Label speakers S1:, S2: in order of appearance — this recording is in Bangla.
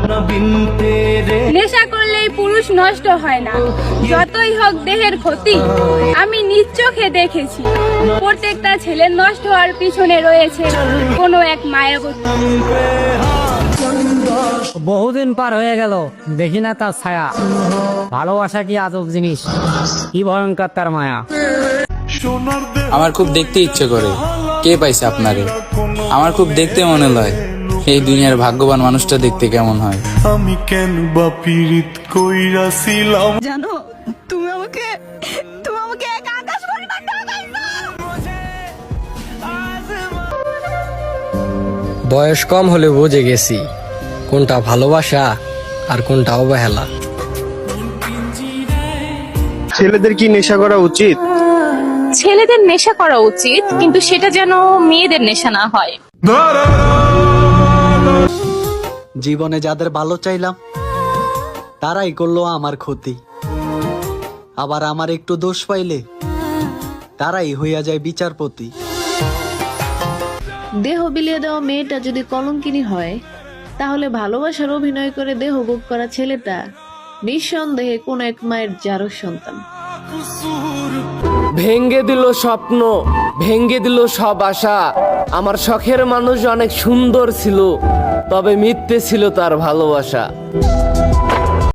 S1: নেশা করলেই পুরুষ নষ্ট হয় না, যতই হোক দেহের ক্ষতি। আমি নিজ চোখে দেখেছি প্রত্যেকটা ছেলের নষ্ট হওয়ার পিছনে রয়েছে কোনো এক মায়াবতী।
S2: বহুদিন পার হয়ে গেল, দেখি না তার ছায়া। ভালোবাসা কি আজব জিনিস, কি ভয়ঙ্কর তার মায়া।
S3: আমার খুব দেখতে ইচ্ছে করে, কে পাইছে আপনারে? আমার খুব দেখতে মনে হয় এই দুনিয়ার ভাগ্যবান মানুষটা দেখতে কেমন হয়।
S4: আমি কেন বা পীড়িত কইরাছিলাম
S5: জানো, তুমি আমাকে এক আকাশ পরিমাণ টাকা দিছো।
S6: বয়স কম হলে বুঝে গেছি কোনটা ভালোবাসা আর কোনটা অবহেলা।
S7: ছেলেদের কি নেশা করা উচিত?
S8: ছেলেদের নেশা করা উচিত, কিন্তু সেটা যেন মেয়েদের নেশা না হয়।
S9: জীবনে যাদের ভালো চাইলাম তারাই করলো আমার ক্ষতি, আবার আমার একটু দোষ পাইলে তারাই হইয়া যায় বিচারপতি।
S10: দেহ বিলিয়ে দেওয়া মেয়েটা যদি কলঙ্কিনী হয়, তাহলে ভালোবাসার অভিনয় করে দেহ ভোগ করা ছেলেটা নিঃসন্দেহে কোন এক মায়ের জারজ সন্তান।
S11: ভেঙ্গে দিল স্বপ্ন, ভেঙ্গে দিল সব আশা। আমার শখের মানুষ অনেক সুন্দর ছিল, তবে মিথ্যে ছিল তার ভালোবাসা।